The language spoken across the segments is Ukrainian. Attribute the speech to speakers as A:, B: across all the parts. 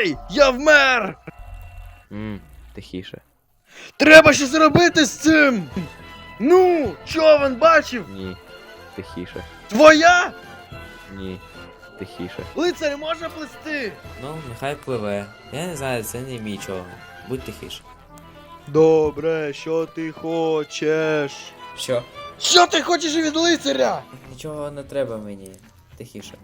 A: Гей! Я вмер!
B: Тихіше.
A: Треба щось робити з цим! Ну, човен бачив?
B: Ні. Тихіше.
A: Твоя?
B: Ні. Тихіше.
A: Лицар може плисти?
C: Ну, нехай пливе. Я не знаю, це не мій човен. Будь тихіше.
A: Добре, що ти хочеш?
C: Що?
A: Що ти хочеш від лицаря?
C: Нічого не треба мені. Тихіше.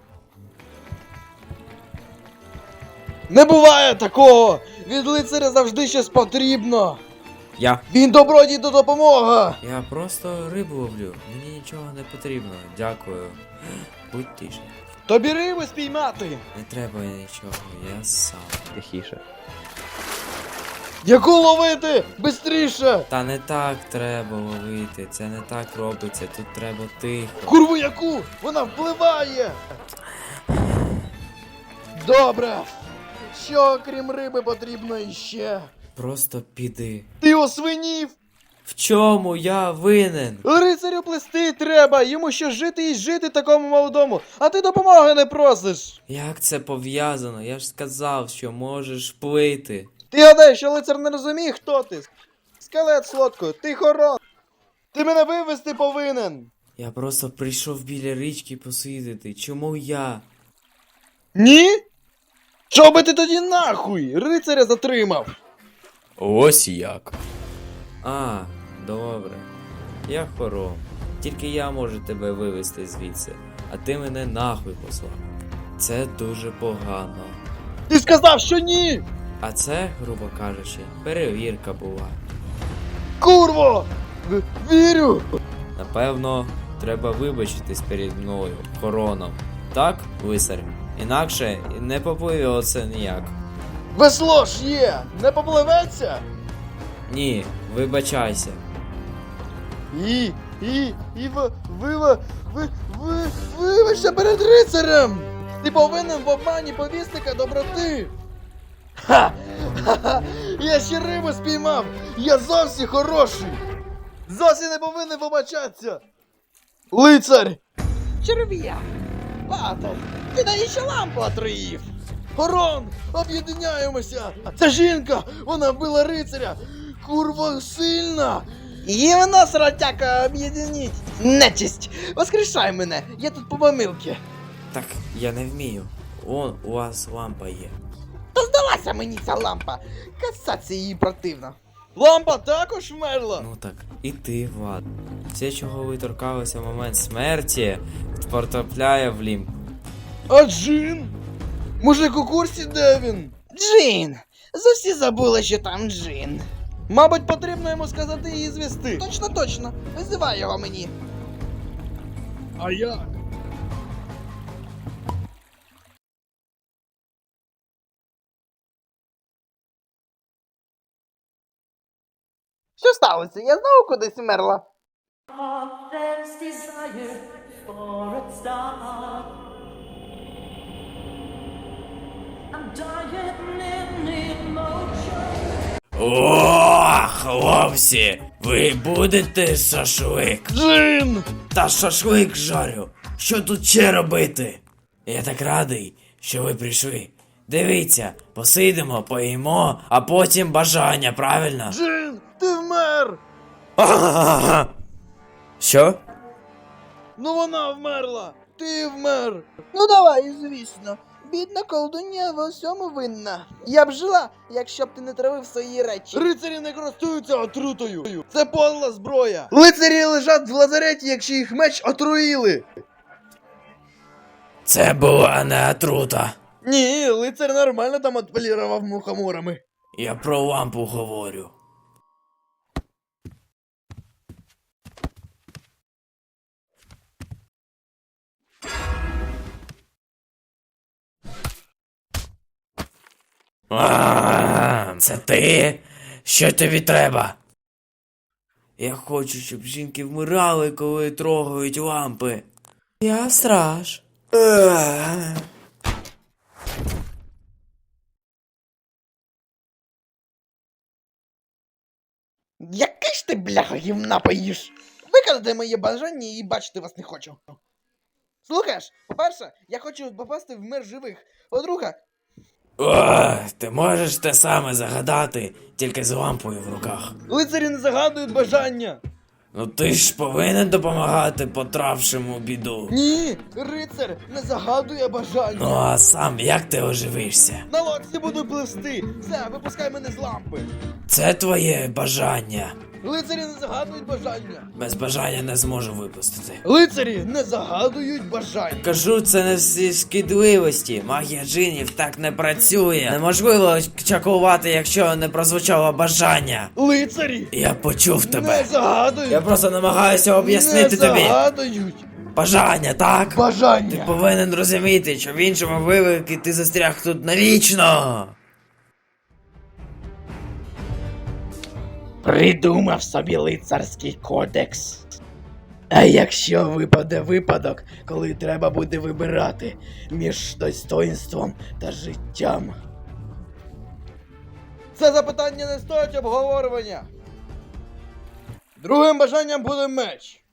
A: Не буває такого! Від лицаря завжди щось потрібно!
C: Я.
A: Він добродій до допомоги!
C: Я просто рибу ловлю. Мені нічого не потрібно. Дякую. Будь тише.
A: Тобі риби спіймати!
C: Не треба нічого, я сам.
B: Тихіше.
A: Яку ловити? Бистріше!
C: Та не так треба ловити. Це не так робиться. Тут треба тихо.
A: Курву яку? Вона впливає! Добре! Що крім риби потрібно іще?
C: Просто піди.
A: Ти освинів!
C: В чому я винен?
A: Рицарю плести треба! Йому ще жити і жити такому молодому, а ти допомоги не просиш!
C: Як це пов'язано? Я ж сказав, що можеш плити.
A: Ти гадаєш, що лицар не розуміє, хто ти? Скелет солодкою, ти хорон! Ти мене вивезти повинен!
C: Я просто прийшов біля річки посидіти. Чому я?
A: Ні? Чого би ти тоді нахуй? Рицаря затримав!
C: Ось як. А, добре. Я хором. Тільки я можу тебе вивезти звідси, а ти мене нахуй послав. Це дуже погано.
A: Ти сказав, що ні!
C: А це, грубо кажучи, перевірка була.
A: Курво! Вірю!
C: Напевно, треба вибачитись перед мною, хороном. Так, висар? Інакше не попливеться ніяк.
A: Весло ж є! Не попливеться?
C: Ні, вибачайся.
A: Вибачся перед рицарем! Ти повинен в обмані повісника доброти! Ха! Ха-ха! Я ще рибу спіймав! Я зовсім хороший! Зовсім не повинен вибачатися! Лицар! Черв'як! Патер! Ти навіщо лампу отруїв? Хорон! Об'єднаємося! Це жінка! Вона вбила рицаря! Курва сильна! І вона, сратяка, об'єдніть! Нечисть! Воскрешай мене! Я тут по помилки!
C: Так, я не вмію. Вон, у вас лампа є.
A: Та здалася мені ця лампа! Касаться її противно! Лампа також вмерла!
C: Ну так, і ти, Влад. Все, чого ви торкалися в момент смерті, потрапляє в лімб.
A: А Джин? Мужик у курсі, де він? Джин! Зовсі забула, що там Джин. Мабуть, потрібно йому сказати її звісти. Точно, точно. Визивай його мені. А як? Що сталося? Я знову кудись вмерла.
D: There's desire for a star. I'm dying in emotion.
C: О, хлопці, ви будете шашлик?
A: Джин!
C: Та шашлик жарю. Що тут ще робити? Я так радий, що ви прийшли. Дивіться, посидимо, поїмо, а потім бажання, правильно?
A: Джин! Ти вмер!
C: Що?
A: Ну вона вмерла! Ти вмер! Ну давай, звісно. Бідна колдунья в усьому винна. Я б жила, якщо б ти не травив свої речі. Рицарі не користуються отрутою. Це подла зброя. Лицарі лежать в лазареті, якщо їх меч отруїли.
C: Це була не отрута.
A: Ні, лицар нормально там отполірував мухоморами.
C: Я про лампу говорю. Це ти? Що тобі треба? Я хочу, щоб жінки вмирали, коли трогають лампи. Я страж.
A: Який ж ти, бляха, гівна поїш? Виконати моє бажання і бачити вас не хочу. Слухаєш, по-перше, я хочу попасти в мир живих. По-друге,
C: О, ти можеш те саме загадати, тільки з лампою в руках.
A: Лицарі не загадують бажання.
C: Ну ти ж повинен допомагати потрапшим у біду.
A: Ні, рицар не загадує бажання.
C: Ну а сам як ти оживишся?
A: На лодці буду пливсти. Все, випускай мене з лампи.
C: Це твоє бажання.
A: Лицарі не загадують бажання.
C: Без бажання не зможу випустити.
A: Лицарі не загадують бажання.
C: Кажу, це не всі шкідливості. Магія джинів так не працює. Неможливо чакувати, якщо не прозвучало бажання.
A: Лицарі
C: Я почув
A: не
C: тебе.
A: загадують.
C: Я просто намагаюся об'яснити
A: не
C: тобі.
A: загадують
C: Бажання, так? Ти
A: бажання.
C: повинен розуміти, що в іншому випадку ти застряг тут навічно.
A: Придумав собі лицарський кодекс. А якщо випаде випадок, коли треба буде вибирати між достоинством та життям. Це запитання не стоїть обговорювання. Другим бажанням буде меч.